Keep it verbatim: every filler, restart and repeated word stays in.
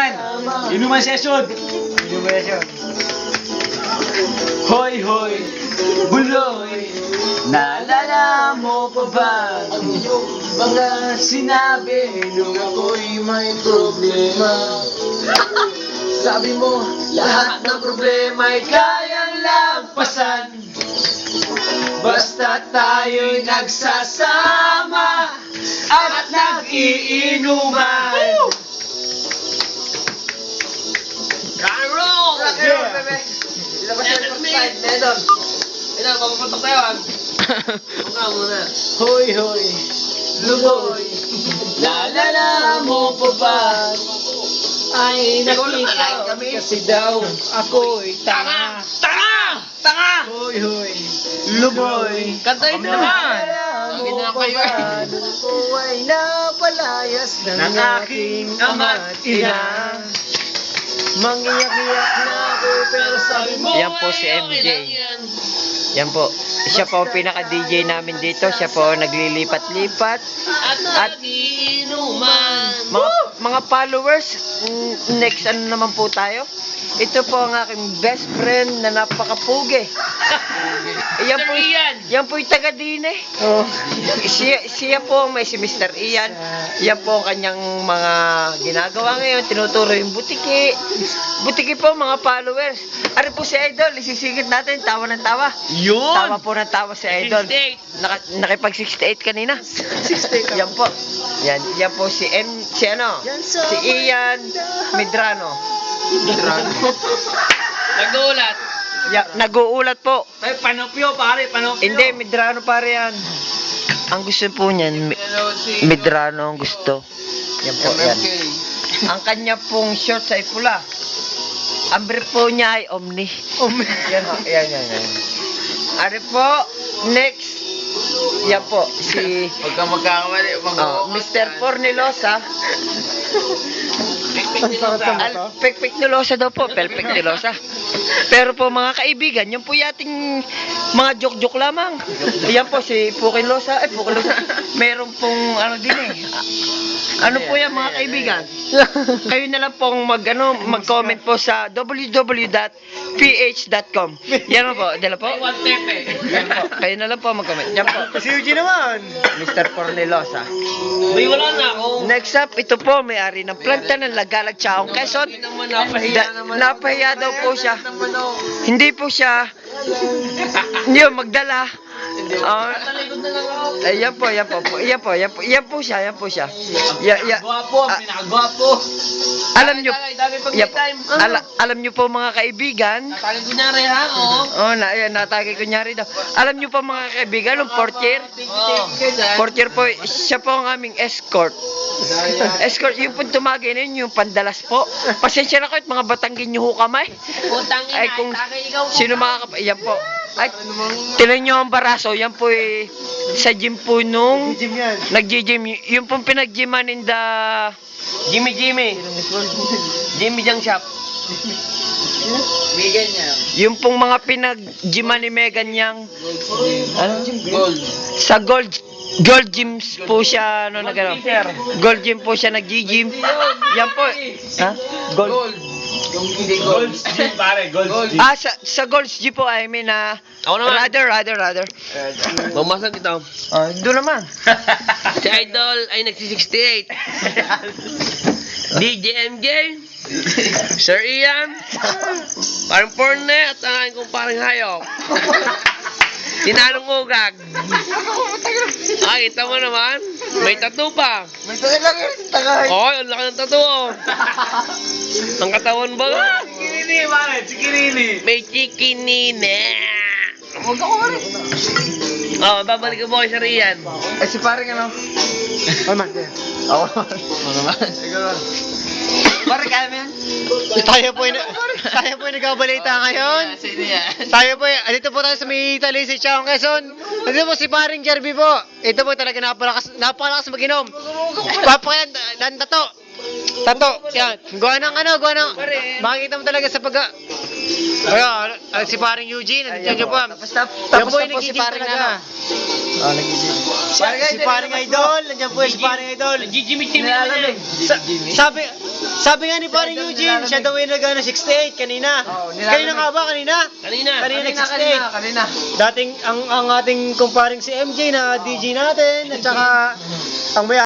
inuman. Inuman session. Inuman session. Hoy, hoy, buloy. Naalala mo pa ba mga sinabi nung ako'y may problema? Sabi mo, lahat ng problema'y kayang lampasan basta tayo'y nagsasama at nag-iinuman. Rock and roll! Rock and roll, bebe. Ilabas yung forty-five, Nedon. Ito, papapatok tayo ah. Huwag ka muna. Hoy, hoy, luboy. Naalala mo pa ba ay nakita kami kasi daw ako'y tanga. Tanga! Tanga! Hoy, hoy, luboy. Kantayin mo naman! Mo Ganda pa kayo eh. ba nung ko ay napalayas ng Ng aking ama at ina? Mangiyak-iyak na ako pero sabi mo Yan po si M J. Yan po. Siya po ang pinaka-D J namin dito. Siya po ang naglilipat-lipat. At nagiinuman. Mga, mga followers, mm, next ano naman po tayo? Ito po ang aking best friend na napakapugi. Yan po, Mister Ian. yan po yung taga-dine. Oh. Siya, siya po may si Mister Ian. Yan po ang kanyang mga ginagawa ngayon. Tinuturo yung butiki. Butiki po mga followers. Ari po si Idol. Isisigit natin. Tawa ng tawa. Yun! Tawa po ng tawa si Idol. sixty-eight. Naka, nakipag sixty-eight kanina. sixty-eight Yan po. Yan, yan po si M, si ano? Si Ian Medrano. Nagulat. Ya, nag-uulat po. Ay, panopyo pare, panopyo. Hindi, Medrano pare yan. Ang gusto po niyan, Mi- Medrano ang gusto. Yan po, yan. Ang kanya pong shorts ay pula. Ang brief po niya ay Omni. Omni. Yan, ho, yan, yan, yan. Ari po, next. Yan po, si Huwag ka magkakamali. oh, Mister Fornilosa. Ang sakit sa mata. Al, pekpek nilosa daw po, perfect nilosa. Pero po mga kaibigan, yung po yating mga joke-joke lamang. Ayan po si Pukin Losa, eh Pukin Losa. Meron pong ano din eh. Ano po yan mga kaibigan? Kayo na lang pong mag, ano, mag-comment po sa w w w dot p h dot com. Yan po, dala po. One tepe. Yan po. Kayo na lang po mag-comment. Yan po. Si Eugene naman. Mister Fornilosa. May wala na ako. Next up, ito po, may-ari ng planta ng Lagalag Chaong Quezon. Hindi naman napahiya Da- naman. napahiya daw po siya. Naman ako. Hindi po siya hindi po magdala. Ah, Talikod na lang ako. ayan po, ayan po, po, ayan po, ayan po, ayan po siya, ayan po siya. Ya, ya, Gwapo, ang ah, pinakagwapo. alam nyo, Dami, dami pag ayan may po, time. ala, alam nyo po mga kaibigan, Tatagin ko niya rin ha, oo. oh, na, ayan, natagay kunyari daw. Alam nyo po mga kaibigan, yung fourth year, Oo. fourth year po, siya po ang aming escort. Escort, yung po tumagay na yun, yung pandalas po. Pasensya na kayo, at mga Batanggin nyo ho kamay. Putang ina, Ay, kung itagay ikaw. sino makakap... Yan po. Ay, tinan nyo ang baraso. Yan po eh, sa gym po nung Gym yan. nag-gym. Y- Yung pong pinag-gyman in the Jimmy Jimmy. Jimmy Jang Shop. Bigyan niya. Yung pong mga pinag-gyman ni Megan Yang. Ano? Gold. Sa Gold Gold Gyms po siya ano na gano'n. Gold Gym po siya nag-gym. Yan po. Ha? Gold. Gold. Yung hindi gold. Gym pare, gold. Ah, sa, sa Gold's Gym po, I mean, ah, Ako naman. rather, rather, rather. Mamasag ito. Ah, doon naman. Si Idol ay nagsi-sixty-eight. D J M J. Sir Ian. Parang porne at ang aking kong parang hayop. Sinanong ugag. Ah, kita mo naman. May tattoo pa. May tayo lang yun. Tagay. Oh, ang laki ng tattoo. Oh. Ang katawan ba? Chikirini pare, chikirini. May chikinine. Huwag ako pare. Oh, babalik ko po kay Sir Ian. Eh, si paring ano? Ay man, yeah. Ako naman. Ano naman? Ikaw naman. Pare, kaya mo yan? Tayo po yung, tayo po yung nagbabalita ngayon. Sino yan? Tayo po, dito po tayo sa may Italy, si Chaong Quezon. Dito po si paring Jerby po. Ito po talaga napakalakas, napakalakas mag-inom. Papakayan, dan tato. Tato, yan. Gawa ng ano, gawa ng, makikita mo talaga sa pag, Kaya, ah, si paring Eugene, nandiyan po. Tapos na, Yan tapos po na yung po si nagiging paring talaga. ano. Oh, nagiging. Si, si paring idol, nandiyan po yung si paring idol. Jimmy Jimmy Nilalamig. Sa, sabi, sabi nga ni paring idol Eugene, nilalamig. siya daw yung nag-ano, sixty-eight kanina. Oo, nilalamig. Kanina nga ba, kanina? Kanina. Kanina, Kanina, nag-sixty-eight. kanina, kanina. Dating, ang, ang ating kumparing si M J na D J natin, at saka ang may